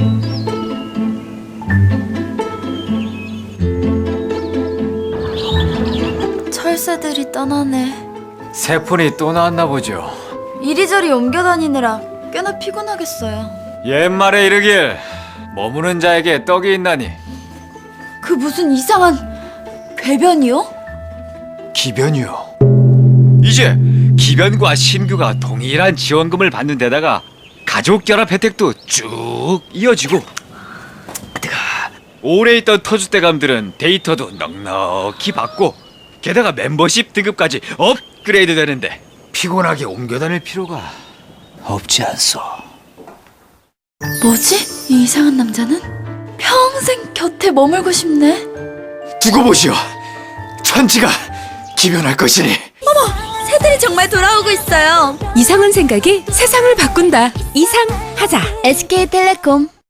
철새들이 떠나네. 새 폰이 또 나왔나 보죠. 이리저리 옮겨 다니느라 꽤나 피곤하겠어요. 옛말에 이르길 머무는 자에게 떡이 있나니. 그 무슨 이상한 궤변이요? 기변이요. 이제 기변과 신규가 동일한 지원금을 받는 데다가 가족 결합 혜택도 쭉 이어지고, 오래 있던 터줏대감들은 데이터도 넉넉히 받고, 게다가 멤버십 등급까지 업그레이드 되는데 피곤하게 옮겨 다닐 필요가 없지 않소. 뭐지? 이 이상한 남자는? 평생 곁에 머물고 싶네. 두고 보시오. 천지가 기변할 것이니. 새들이 정말 돌아오고 있어요. 이상한 생각이 세상을 바꾼다. 이상하자. SK텔레콤.